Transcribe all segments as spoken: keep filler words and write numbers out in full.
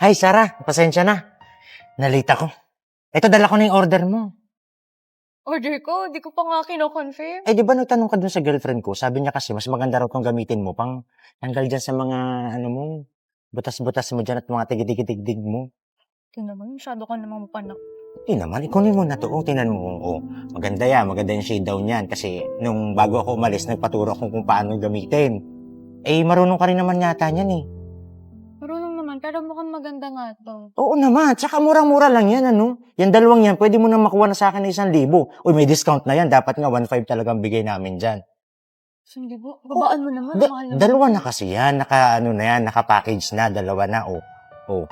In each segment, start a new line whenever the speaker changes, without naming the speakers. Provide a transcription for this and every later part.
Hi, Sarah. Pasensya na. Nalita ko. Ito, dala ko na yung order mo.
Order ko? Di ko pa nga kino-confirm.
Eh, di ba nagtanong ka dun sa girlfriend ko? Sabi niya kasi, mas maganda raw kung gamitin mo pang tanggal dyan sa mga, ano mo, butas-butas mo dyan at mga tigid-tigid mo.
Ito naman, masyado ka namang panak.
Hindi naman, ikunin mo na to. O, tinan mo. O, maganda yan. Maganda yung shade daw niyan. Kasi nung bago ako umalis, nagpaturo ako kung paano gamitin. Eh, marunong ka rin naman yata niyan eh.
Marunong naman, pero mukhang maganda nga to.
Oo naman. Tsaka murang-mura lang yan, ano? Yan dalawang yan, pwede mo na makuha na sa akin na isang libo. Uy, may discount na yan. Dapat nga one five talagang bigay namin dyan.
Sandi ba? Babaan mo naman.
Da-
mahal naman.
dalawa na kasi yan. Naka, ano na yan, naka-package na. Dalawa na, oh. Oh.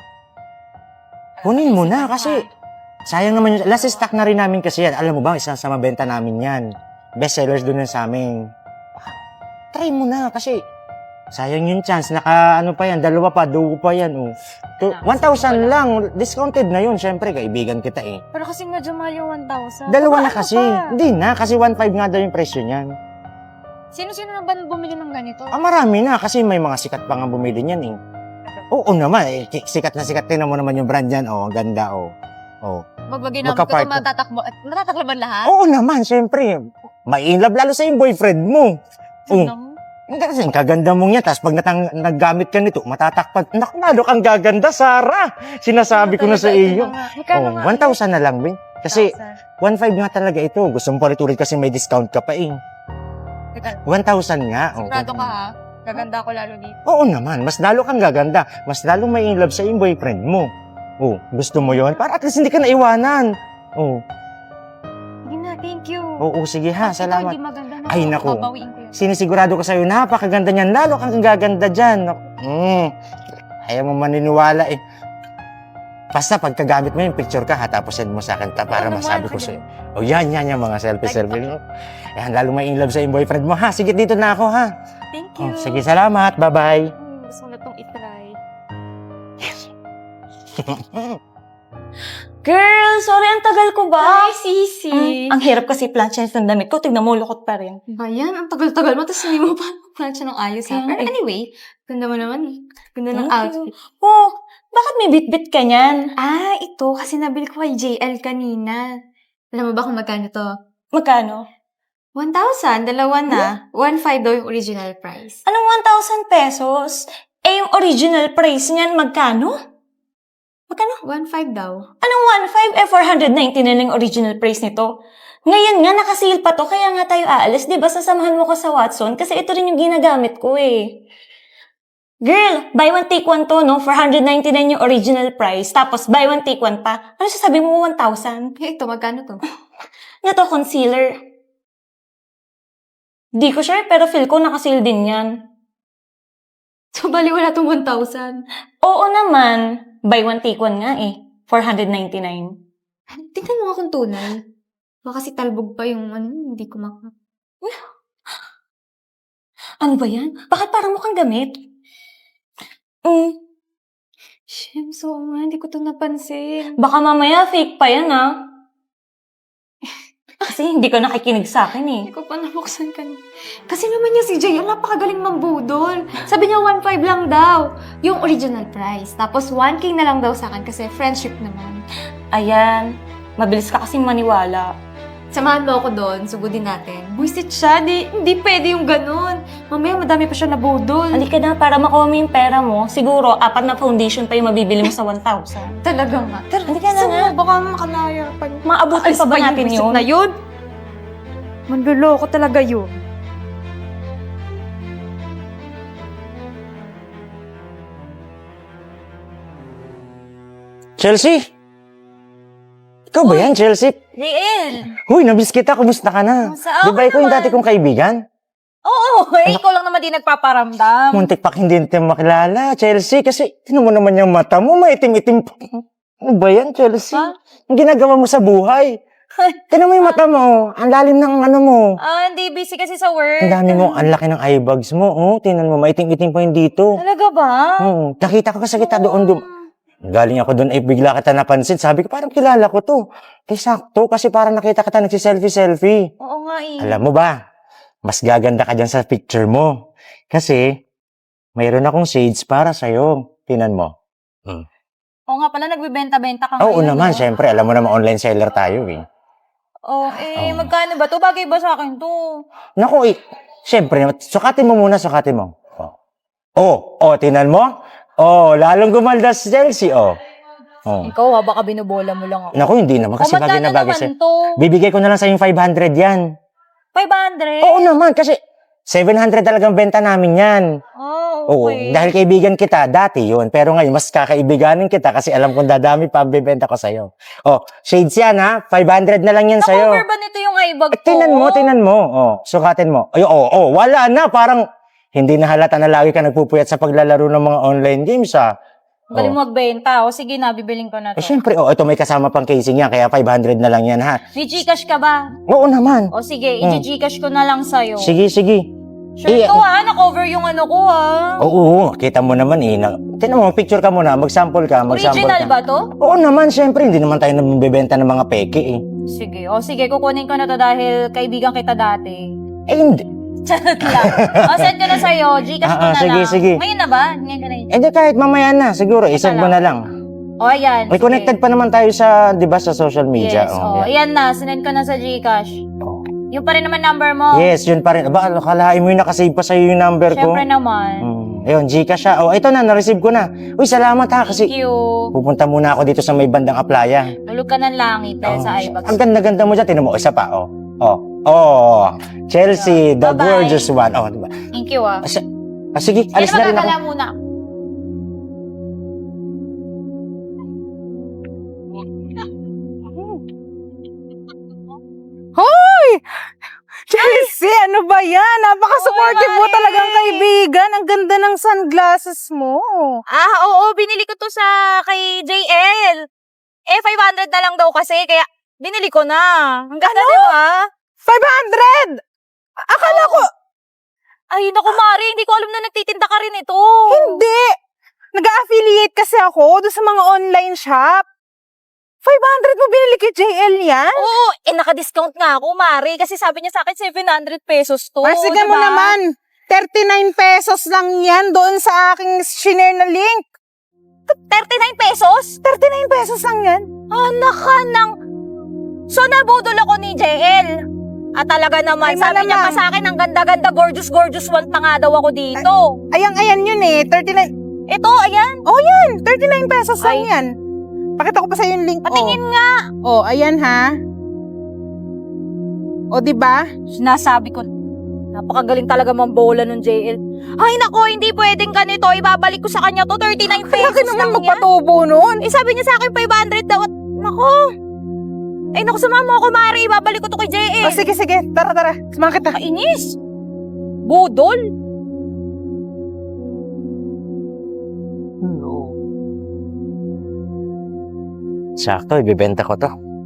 Kunin mo na kasi sayang naman yun. Last stock na rin namin kasi yan. Alam mo ba, isang sa mabenta namin yan. Best sellers doon yan sa amin. Try mo na kasi sayang yung chance. Naka, ano pa yan, dalawa pa, dugo pa yan, oh. To, one thousand lang. Discounted na yun. Siyempre, kaibigan kita eh.
Pero kasi medyo mahal yung one thousand.
Dalawa na
Babaan mo
kasi.
pa.
Hindi na, kasi one five nga daw yung presyo niyan.
Sino-sino na ba bumili ng ganito?
Ah, marami na kasi may mga sikat pa nga bumili niyan eh. Oo naman, eh, sikat na sikat. Tingnan mo naman yung brand yan. Oh, ang ganda, oh. Oh.
Magbagay namin ko
Magka-part-
ito matatakbo. At natatakbo ba lahat?
Oo naman, syempre. Mai-inlove lalo sa yung boyfriend mo. Oh.
Ano?
Hindi kasi ang kaganda mong yan. Tapos pag natang, naggamit ka nito, matatakpan. Naku, lalo kang gaganda, Sarah. Sinasabi ko na sa iyo.
Magkano
Oh,
nga?
one thousand na lang, Ben. Kasi
one thousand.
one five nga talaga ito. Gusto mo palit-ulit kasi may discount ka pa eh.
Teka,
one thousand nga. Oh.
sigurado ka ha? Gaganda ako lalo dito.
Oo naman, mas lalo kang gaganda. Mas lalo may in love sa yung boyfriend mo. Oh, gusto mo yon? Para at least hindi ka naiwanan. Oh,
Sige na, thank you.
oo, sige ha,
Ito,
salamat.
hindi maganda na.
Ay, naku.
Babawiin ko yun.
Sinisigurado ko sa'yo, napakaganda niyan. Lalo kang gaganda dyan. Mm, ayaw mo maniniwala eh. Basta pagkagamit mo yung picture ka ha, tapos send mo sa akin ta para
Oo naman,
masabi ko
sige.
sa'yo. Oh, yan, yan, yan, mga selfie-selfie. No? Yan, lalo may in love sa yung boyfriend mo ha. Sige, dito na ako ha.
Thank
Oh,
you.
sige, salamat. Bye-bye.
Hmm, gusto ko na itong itry.
Girl, sorry, ang tagal ko ba?
Ay, Sisi.
Mm, ang hirap kasi plancha ng damit ko. Tignan mo, lukot pa rin.
Ba yan? Ang tagal-tagal mo, tapos hindi mo pa plansya ng ayos ha.
Kaya
Pero
nga eh.
anyway, ganda mo naman eh. Ganda ng
Thank
outfit.
Oh, bakit may bit-bit ka niyan?
Ah, ito. Kasi nabili ko kay J L kanina. Alam mo ba kung magkano to?
Magkano?
one thousand, dalawa na. one five daw yung original price.
Anong one thousand pesos? Eh, yung original price niyan, magkano? Magkano?
one five daw.
Anong one five? Eh, four hundred ninety na lang yung original price nito. Ngayon nga, nakasil pa to, kaya nga tayo aalis. Di ba, sasamahan mo ko sa Watson? Kasi ito rin yung ginagamit ko eh. Girl, buy one take one to, no? four hundred ninety-nine yung original price. Tapos, buy one take one pa. Ano sasabi mo, one thousand?
Eh, ito, magkano to?
Ano to, concealer? Di ko sure, pero feel ko nakasil din yan.
So, bali wala tong one thousand.
Oo naman. Buy one take one nga eh. four hundred ninety-nine.
Tingnan mo nga kung tunay. Baka kasi talbog pa yung ano, hindi ko maka...
Ano ba yan? Bakit parang mukhang gamit? Mm,
Shem, so nga, hindi ko to napansin.
baka mamaya fake pa yan ah. Kasi hindi ko nakikinig sa akin eh.
Hindi ko pa nabuksan kanina. Kasi naman yung si J L, napakagaling mambudol. Sabi niya one five lang daw. Yung original price. Tapos one K na lang daw sa akin kasi friendship naman.
Ayan, mabilis ka kasing maniwala.
Samahan mo ako doon, sugudin natin. Buisit siya, di, hindi pwede yung ganun. Mamaya madami pa siya nabudol.
Halika na, para makuha mo yung pera mo, siguro apat na foundation pa yung mabibili mo sa one thousand.
Talaga nga. Tara,
Halika na
gusto
nga.
mo, baka makalaya pa.
Maabutin pa ba natin
buwisit
yun?
na yun? Manluloko talaga yun.
Chelsea? Ikaw ba yan, Chelsea?
J L!
Huy, nabis kita. Kumusta ka na?
Kumusta?
Di ba
Okay
ikaw yung
naman.
dati kong kaibigan?
Oo, eh, ikaw lang naman di nagpaparamdam.
Muntik pa hindi natin makilala, Chelsea. Kasi, tinan mo naman yung mata mo, maitim-itim pa. Ano ba yan, Chelsea?
Ha?
Ang ginagawa mo sa buhay. Tinan mo yung mata mo. Ang lalim ng ano mo.
Ah, hindi busy kasi sa work.
Ang dami mo, ang laki ng eye bags mo. Oh, tinan mo, maitim-itim pa yung dito.
Talaga ba?
Oo, nakita ko kasi kita doon. doon. Galing ako doon, eh, bigla kita napansin. Sabi ko, parang kilala ko to. Eh, sakto, kasi parang nakita kita nagsiselfie-selfie.
Oo nga eh.
Alam mo ba, mas gaganda ka dyan sa picture mo. Kasi, mayroon akong shades para sa'yo. Tinan mo. Hmm.
Oo nga pala, nagbibenta-benta ka
Oo
ngayon.
naman,
no?
syempre, alam mo naman online seller tayo eh.
Oh, eh,
Oo.
magkano ba to? Bagay ba sa akin to?
Naku, eh, syempre, sukatin mo muna, sukatin mo. Oh, oh, oh tinan mo? Oh, lalong gumalda si Chelsea, oh. Oh.
Ikaw ha, baka binubola mo lang ako.
Naku, hindi naman kasi
O,
bagay na
magkano
bagay
naman
sa'yo.
to?
Bibigay ko na lang sa yung five hundred yan.
five hundred?
Oo naman, kasi seven hundred talagang benta namin yan.
Oh,
Oo,
okay.
dahil kaibigan kita, dati yun. Pero ngayon, mas kakaibiganin kita kasi alam kong dadami pa ang bibenta ko sa'yo. Oh, shades yan ha, five hundred na lang yan sa'yo.
Na-cover ba nito yung eye bag
Eh,
ko?
tinan mo, tinan mo. Oh, sukatin mo. Ay, oh, oh, wala na. Parang hindi na halata na lagi ka nagpupuyat sa paglalaro ng mga online games ha.
Galing
Oh.
mo magbenta. O sige na, bibiling ko na
Eh,
to.
syempre, oh, ito may kasama pang casing yan, kaya five hundred na lang yan ha.
May Gcash ka ba?
Oo naman.
O sige,
Hmm.
i-Gcash ko na lang sa'yo.
Sige, sige.
Sure
Eh,
to ha, na-cover yung ano ko ha.
Oo, oo, kita mo naman eh. Na, tinan mo, picture ka muna, mag-sample ka, mag-sample
Original
ka.
ba to?
Oo naman, syempre, hindi naman tayo nabibenta ng mga peke eh.
Sige, o sige, kukunin ko na to dahil kaibigan kita dati.
Eh, hindi.
Charot lang. O, send ko na sa'yo. Gcash ko
Ah, ah,
na
sige,
lang.
sige.
Ngayon na ba? Ngayon ka na yun.
Eh, di kahit mamaya na, siguro, isend mo na lang.
O, ayan.
May
sige.
connected pa naman tayo sa, di ba, sa social media.
Yes,
Oh,
o.
yan.
Ayan na, sinend ko na sa Gcash.
Oh.
Yung pa rin naman number mo.
Yes, yun pa rin. Aba, kalahin mo yung nakasave pa sa'yo yung number ko.
Siyempre naman.
Hmm. Ayun, Gcash siya. Oh, ito na, na-receive ko na. Uy, salamat ha, kasi
Thank you.
pupunta muna ako dito sa may bandang aplaya.
Tulog ka ng langit dahil
Oh,
sa iBags.
ang ganda-ganda mo dyan. Tinan mo, isa pa, oh. Oh, oh, Chelsea, the
Bye-bye.
gorgeous one. Oh, diba?
Thank you ah.
Ah, si- ah, sige,
Kaya
alis na rin ako.
magkakala muna.
Hoy! Chelsea, ano ba yan? Napaka-supportive
Oy,
mo
Mare!
talagang kaibigan. Ang ganda ng sunglasses mo.
Ah, oo, binili ko to sa kay J L. Eh, five hundred na lang daw kasi, kaya binili ko na. Ang ganda,
Ano?
di ba?
five hundred! Akala ko,
Ay, naku, Mari, hindi ko alam na nagtitinda ka rin ito.
hindi. Nag-affiliate kasi ako doon sa mga online shop. five hundred mo binili kay J L yan?
Oo, eh, naka-discount nga ako, Mari, kasi sabi niya sa akin seven hundred pesos to.
Ah, sige mo
diba?
naman. thirty-nine pesos lang yan doon sa aking shinare na link.
thirty-nine pesos?
thirty-nine pesos lang yan.
Anak ka ng... So, nabudol ako ni J L. At talaga naman,
Ay,
sabi niya pa
malamang.
sa akin, ang ganda-ganda, gorgeous-gorgeous one pa nga daw ako dito.
Ayang, ayan yun eh. thirty-nine.
Ito, ayan.
Oh, yan. thirty-nine pesos lang
Ay.
yan. Pakita ko pa sa'yo yung link.
Patingin
oh.
nga.
Oh, ayan ha. O, di ba?
Sinasabi ko, napakagaling talaga mambola nung J L. Ay, nako, hindi pwedeng ganito. Ibabalik ko sa kanya to, thirty-nine pesos
Laki naman
lang yan.
magpatubo nun.
Eh, sabi niya sa akin, five hundred daw. At, nako. Ay, naku, sumama ako, Mari. Ibabalik ko to kay J L.
O, sige, sige. Tara, tara. Sumama kita.
Kainis. Budol.
Sakto, ibibenta ko to.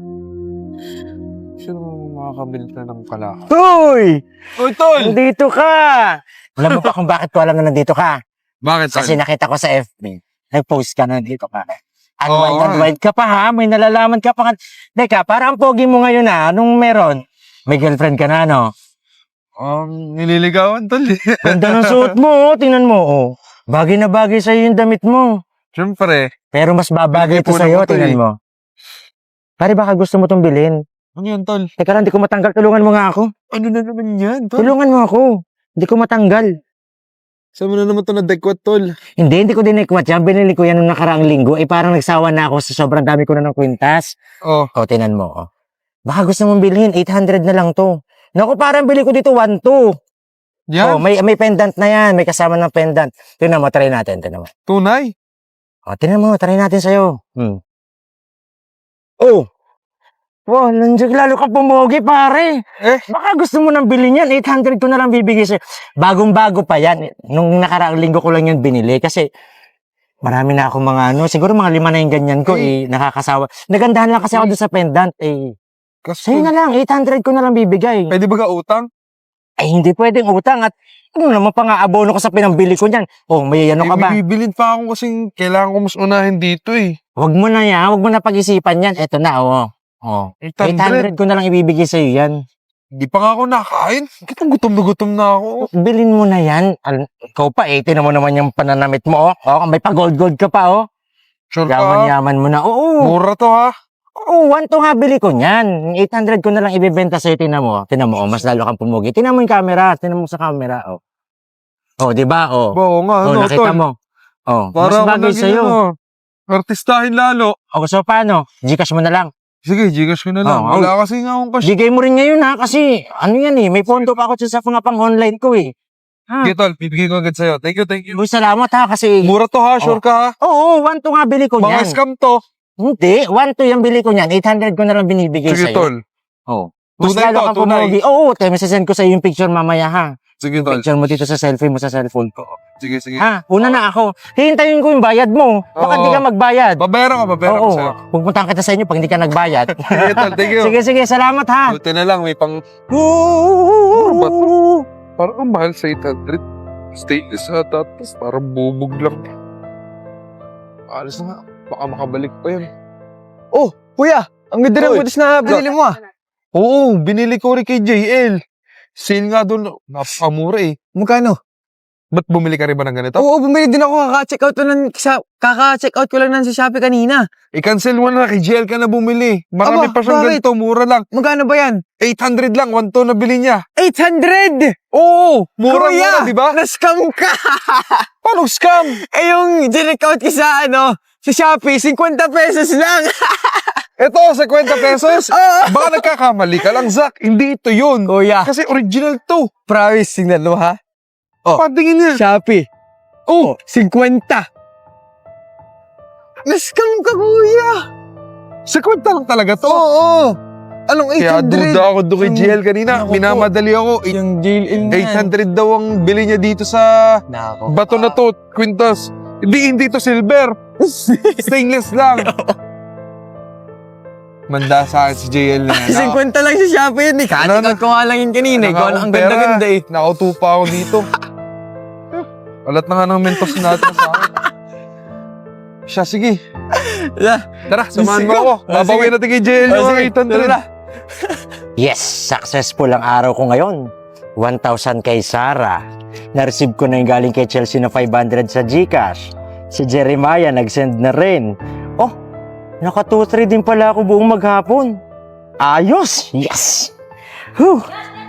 Sino makakabili na ng kala?
Uy!
Uy, tol!
Nandito ka! Alam mo pa kung bakit ko alam na nandito ka?
Bakit, tol?
Kasi nakita ko sa F B. Nag-post ka na nandito ka.
Oo
Unwind,
nga.
unwind ka pa ha? May nalalaman ka pa. Teka, parang pogi mo ngayon ha? Anong meron? May girlfriend ka na, no?
Um, nililigawan, tol.
Ganda ng suot mo, oh. Tingnan mo, oh. Bagay na bagay sa'yo yung damit mo.
Siyempre.
Pero mas babagay ito
Pinag-ipunan
sa'yo,
ko to,
tingnan
eh.
mo. Pare, baka gusto mo itong bilhin.
Ano yan, tol?
Teka lang, di ko matanggal. Tulungan mo nga ako.
Ano na naman yan, tol?
Tulungan mo ako. Hindi ko matanggal.
Saan mo na naman ito na-dekwat, tol?
Hindi, hindi ko din ikwat yan. Binili ko yan nung nakaraang linggo. Eh, parang nagsawa na ako sa sobrang dami ko na ng kwintas.
Oh,
O, tinan mo, oh. Baka gusto mong bilhin. eight hundred na lang to. Naku, parang bili ko dito one two. Oh,
yan.
may, may pendant na yan. May kasama ng pendant. Tingnan mo, try natin. Tingnan mo.
Tunay.
O, tingnan mo, try natin sa'yo. Hmm. Oh! Wow, nandiyan lalo ka pumogi, pare.
Eh?
Baka gusto mo nang bilhin yan. eight hundred ko na lang bibigay sa'yo. Bagong-bago pa yan. Nung nakaraang linggo ko lang yun binili. Kasi marami na ako mga ano. Siguro mga lima na yung ganyan ko. Eh, nakakasawa. Nagandahan lang kasi ako doon sa pendant. Eh,
Kasi,
sa'yo na lang. eight hundred ko na lang bibigay.
pwede ba ka utang?
Ay, hindi pwedeng utang. At ano naman pa nga abono ko sa pinambili ko niyan. Oh, may ano ka ba?
Eh, bibilin pa ako kasing kailangan ko mas unahin dito eh.
Wag mo na yan. Wag mo na pag-isipan yan. Eto na, oh. Oh.
eight
eight hundred
hundred.
ko na lang ibibigay sa'yo yan.
Di pa nga ako nakain. Kitang gutom na gutom na ako.
Bilin mo na yan. Al- Ikaw pa, eh. Tinan mo naman yung pananamit mo, oh. Oh, may pa-gold-gold ka pa, oh.
Sure ka?
Yaman-yaman mo na. Oo.
Mura to ha?
Oo, one to nga bili ko niyan. eight hundred ko na lang ibebenta sa'yo. Tinan mo. Tinan mo, oh, mas lalo kang pumugi. Tinan mo yung camera. Tinan mo sa camera. Oh, oh di ba? Oh,
Oo nga,
oh
ano,
nakita
tol?
mo. Oh,
Para
mas bagay
ako
sa'yo.
naging, ano, artistahin lalo.
O, so paano? Gcash mo na lang.
Sige, Gcash ko na lang.
Oo,
Wala kasi nga akong cash.
Bigay mo rin ngayon ha. Kasi, ano yan eh. May pondo pa ako sa mga pang online ko eh. Ha?
Sige, tol. Bibigay ko agad sa'yo. Thank you, thank you.
Uy, salamat ha. Kasi,
Mura to ha? Sure ka ha?
oo, one to nga bili ko
Mga
niyan.
scam to.
Hindi, one to yung bili ko niyan. eight hundred ko na lang binibigay
Sige,
sa'yo.
tol.
Oh. Mas
Tunay
lalo
to,
kang
tunay.
pumugi. Oo, tayo, masasend ko sa'yo yung picture mamaya ha.
Sige, tol.
Picture mo dito sa selfie mo sa cellphone ko.
Sige, sige.
Ha, una na ako. Hihintayin ko yung bayad mo. Baka
Oo.
di ka magbayad.
Babayaran ka, babayaran ko
Oo,
sa'yo.
pupuntahan kita sa inyo pag hindi ka nagbayad.
Sige, tol. Thank you.
sige, sige, salamat ha.
Buti na lang, may pang... ba Parang ang mahal sa eight hundred. Stainless ha, tapos parang bubog lang. Alas na nga. Baka makabalik pa yun.
Oh, kuya, ang ganda ng
Oy.
butis na binili mo ah.
Oo, binili ko rin kay J L. Sale nga doon. Napakamura eh.
Magkano?
Ba't bumili ka rin ba ng ganito?
Oo, bumili din ako. Kaka-check out, lang, sa, kaka-check out ko lang ng sa Shopee kanina.
I-cancel mo na, kay J L ka na bumili. Marami
Aba,
pa siyang
bakit?
ganito, mura lang.
Magkano ba yan?
eight hundred lang, one to na bili niya.
eight hundred!
Oo,
Kuya,
mura-mura, di ba?
na-scam ka!
Paano scam?
eh yung check out ko sa ano, sa Shopee, fifty pesos lang.
Ito, sa twenty pesos.
Oo.
Baka nagkakamali ka lang, Zach. Hindi ito yun.
Kuya,
Kasi original to.
promise, tingnan mo ha. Oh.
Patingin niya.
Shopee. Oh, fifty. Na-scam ka, kuya.
Sa kwenta lang talaga to.
Oo. Anong eight
Kaya
hundred?
duda ako doon kay J L kanina.
Naku po.
Minamadali ako. Eight-
Yung jail in
eight hundred daw ang bili niya dito sa
Nako.
bato na to, Quintas. Hindi, hindi to silver. Stainless lang. Manda sa akin si J L na yan.
fifty lang sa Shopee yun eh.
Ano,
Katikot ko nga lang yun kanina.
Wala
Ikaw
nga
ang
akong pera.
ganda-ganda eh.
Nakauto pa ako dito. Alat na nga ng mentos natin sa akin. Siya, sige.
Yeah.
Tara, samahan mo
Sige.
ako.
Ah,
Babawin
sige.
natin kay J L
Ah,
yung
sige.
eight hundred.
Tara.
Yes, successful ang araw ko ngayon. one thousand kay Sarah. Na-receive ko na yung galing kay Chelsea na five hundred sa Gcash. Si Jeremiah nag-send na rin. Oh, naka two three din pala ako buong maghapon. Ayos! Yes! Whew.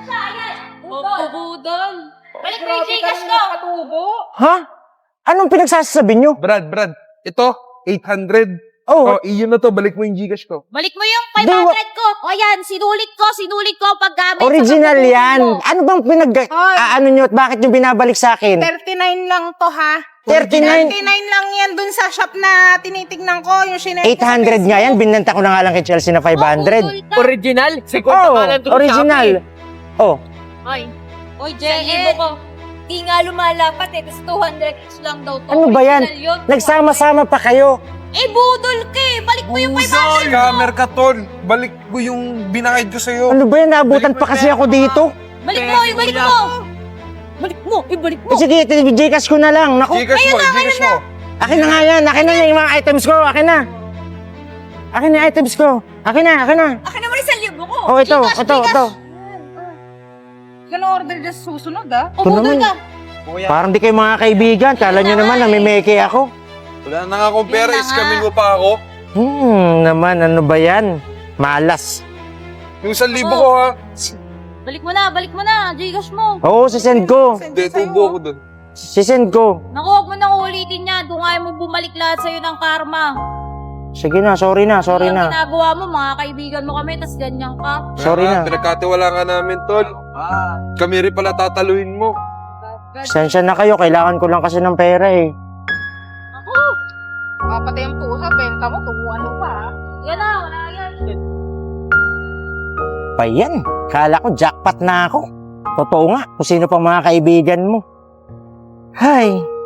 Budol. Balik mo yung Gcash ko.
Ha? Anong pinagsasabi nyo?
Brad, Brad. Ito, eight hundred.
Oh,
Oh, iyon na to. Balik mo yung Gcash ko.
Balik mo yung
Di, wa-
five hundred ko. O yan, sinulit ko, sinulit ko ang paggamit. sa
original
pagtutulong
yan.
mo.
Ano bang pinag...
Hoy.
Ah, ano nyo at bakit nyo binabalik sa akin?
thirty-nine lang to ha.
thirty-nine?
thirty-nine lang yan dun sa shop na tinitignan ko. Yung sinend
eight hundred nga yan. Binenta ko na nga lang kay Chelsea na five hundred.
Oh, budol ka.
Original?
Oh, original. Oh,
Oy, Oy, J L. Di nga lumalapat eh. Tapos two hundred lang daw to.
Ano ba yan?
Original yun.
nagsama-sama pa kayo.
Eh, budol ka eh. Balik mo yung five hundred ko.
Scammer ka, tol. Balik mo yung binakid ko sa'yo.
Ano ba yan? Naabutan pa kasi ako dito.
Balik mo, ibalik mo. Balik mo, ibalik mo.
Eh, sige, Gcash ko na lang. Naku,
Gcash mo, Gcash mo.
akin na nga yan. Akin na yan yung mga items ko. Akin na. Akin na yung items ko. Akin na, akin na.
Akin naman isang libo ko.
Oh, ito,
Gcash,
ito,
Gcash.
ito.
Gano'n order dyan sa susunod ah.
O,
Ito
budol
naman.
ka.
Parang di kayo mga kaibigan. Kala nyo naman, namimeke ako.
Wala na nga akong pera.
Yun na nga.
Iskamin mo pa ako.
Hmm, naman, ano ba yan? Malas.
Yung isang libo ko, ha?
Balik mo na, balik mo na. Gcash mo.
Oo, sisend ko.
Hindi, tubo ko dun.
Sisend ko.
Naku, huwag mo nang ulitin niya. Doon nga mo bumalik lahat sa'yo ng karma.
Sige na, sorry na, sorry
Yung
na.
ginagawa mo, mga kaibigan mo kami, tas ganyan ka.
Sorry
Ah,
na.
Pinagkatiwala nga namin, tol. Kami rin pala tataluin mo.
Sensya na kayo, kailangan ko lang kasi ng pera eh.
Ako,
Kapatay ang pusa, benta mo, tubuan mo pa ah.
yan na, wala yan.
Pa yan, kala ko jackpot na ako. Totoo nga, kung sino pa mga kaibigan mo. Hay,